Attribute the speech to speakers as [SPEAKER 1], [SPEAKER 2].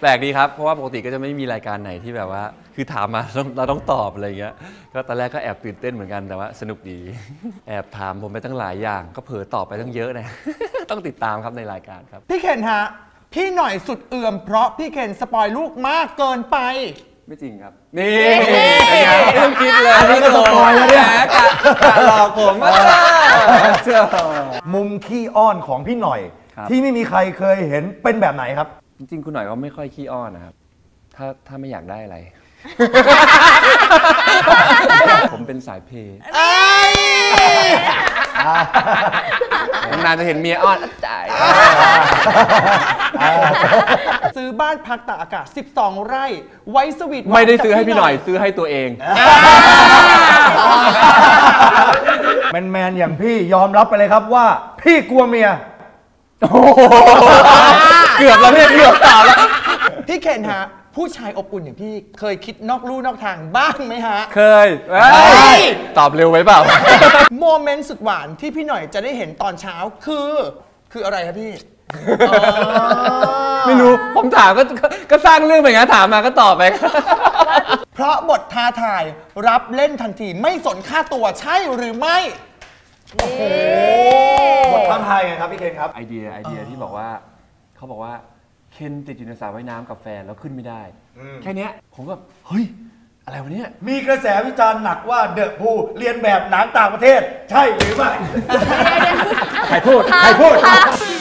[SPEAKER 1] แปลกดีครับเพราะว่าปกติก็จะไม่มีรายการไหนที่แบบว่าคือถามมาเราต้องตอบอะไรเงี้ยก็ตอนแรกก็แอบตื่นเต้นเหมือนกันแต่ว่าสนุกดีแอบถามผมไปตั้งหลายอย่างก็เผลอตอบไปตั้งเยอะนะ ต้องติดตามครับในรายการครับ
[SPEAKER 2] พี่เคนฮะพี่หน่อยสุดเอื่อมเพราะพี่เคนสปอยลูกมากเกินไป
[SPEAKER 1] ไม่จริงครับนี่ไม่ต้องคิดเลยอันนี้ก็สปอยแล้วเนี่ยกะหลอกผมเชื่อ
[SPEAKER 3] มุมขี้อ้อนของพี่หน่อยที่ไม่มีใครเคยเห็นเป็นแบบไหนครับ
[SPEAKER 1] จริงๆคุณหน่อยเขาไม่ค่อยขี้อ้อนนะครับถ้าไม่อยากได้อะไร ผมเป็นสายเพย์นานจะเห็นเมียอ้อนจ่าย
[SPEAKER 2] ซื้อบ้านพักตากอากาศ12 ไร่ไว้สวีท
[SPEAKER 1] ไม่ได้ซื้อให้พี่หน่อยซื้อให้ตัวเอง
[SPEAKER 3] แมนอย่างพี่ยอมรับไปเลยครับว่าพี่กลัวเมีย
[SPEAKER 1] เกือบแล้วเนี่ยเกือบตอบแล้ว
[SPEAKER 2] พี่เคนฮะผู้ชายอบอุ่นอย่างพี่เคยคิดนอกลู่นอกทางบ้างไหมฮะ
[SPEAKER 1] เคยตอบเร็วไว้เปล่า
[SPEAKER 2] โมเมนต์สุดหวานที่พี่หน่อยจะได้เห็นตอนเช้าคืออะไรครับพี่
[SPEAKER 1] ไม่รู้ผมถามก็สร้างเรื่องไปงั้นถามมาก็ตอบไป
[SPEAKER 2] เพราะบทท้าทายรับเล่นทันทีไม่สนค่าตัวใช่หรือไม่
[SPEAKER 3] บทท้าทายไงครับพี่เคนครับ
[SPEAKER 1] ไอเดียที่บอกว่าเขาบอกว่าเคนติดอยู่ในสระว่ายน้ำกับแฟนแล้วขึ้นไม่ได้แค่นี้ผมก็เฮ้ยอะไรวะเนี่ย
[SPEAKER 3] มีกระแสวิจารณ์หนักว่าเดอะพูเรียนแบบหนังต่างประเทศใช่หรือไม่
[SPEAKER 1] ใครพูด